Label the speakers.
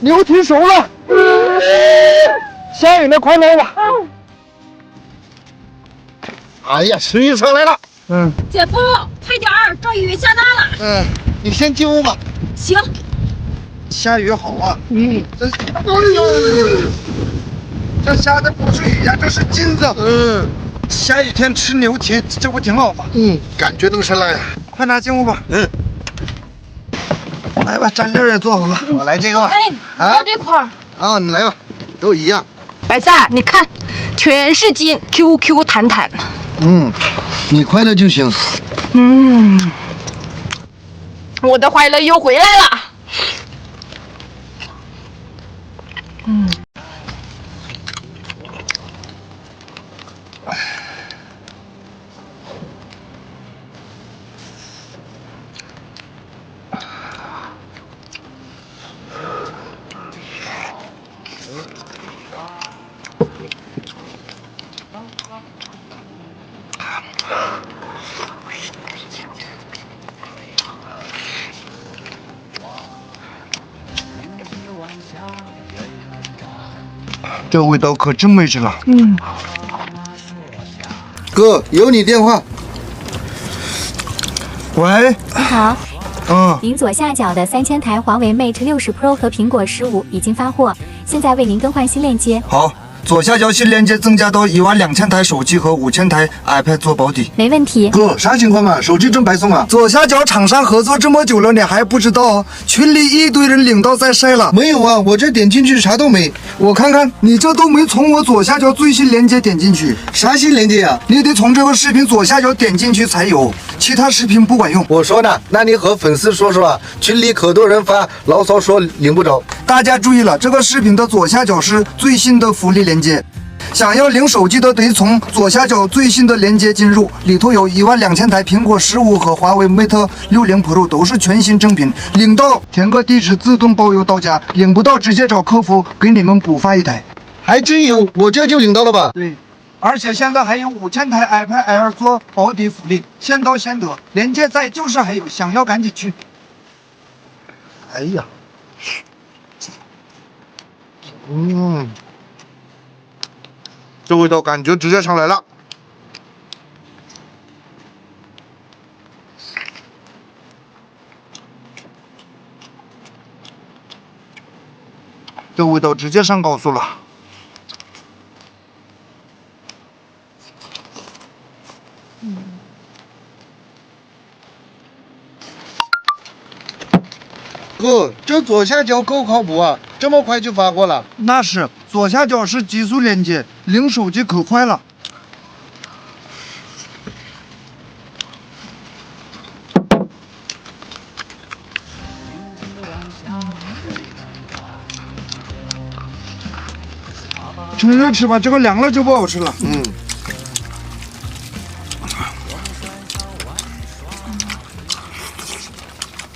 Speaker 1: 牛蹄熟了，下雨了，快捞吧。哎呀，水上来了。
Speaker 2: 姐夫，快点儿，这雨下大了。
Speaker 1: 你先进屋吧。
Speaker 2: 行。
Speaker 1: 下雨好啊。这下的不是雨呀，这是金子。下雨天吃牛蹄，这不挺好吗？感觉能上来。快拿进屋吧。来吧，蘸料也做好了，我来这个吧。
Speaker 2: 我这块儿。
Speaker 1: 啊，你来吧，都一样。
Speaker 2: 白菜，你看，全是筋，Q 弹弹。
Speaker 1: 你快乐就行。
Speaker 2: 我的快乐又回来了。
Speaker 1: 这味道可真美极了。哥，有你电话。喂。
Speaker 3: 你好。您左下角的3000台华为 Mate 60 Pro 和苹果15已经发货，现在为您更换新链接。
Speaker 1: 好，左下角新链接增加到12000台手机和5000台 iPad 做保底。
Speaker 3: 没问题。
Speaker 1: 哥，啥情况嘛？手机真白送啊！左下角厂商合作这么久了，你还不知道？群里一堆人领到在晒了。没有啊，我这点进去啥都没。我看看，你这都没从我左下角最新链接点进去。啥新链接啊？你得从这个视频左下角点进去才有，其他视频不管用。我说呢，那你和粉丝说说啊，群里可多人发牢骚说领不着。大家注意了，这个视频的左下角是最新的福利链接。想要领手机的得从左下角最新的链接进入，里头有12000台苹果15和华为 Mate 60 Pro 都是全新正品，领到填个地址自动包邮到家，领不到直接找客服给你们补发一台。还真有，我这就领到了吧？对，而且现在还有5000台 iPad Air 做保底福利，先到先得，链接在就是还有，想要赶紧去。哎呀，这味道感觉直接上来了。这味道直接上高速了。哥，这左下角够靠谱啊，这么快就发货了？那是，左下角是极速连接，领手机可快了。趁热吃吧，这个凉了就不好吃了。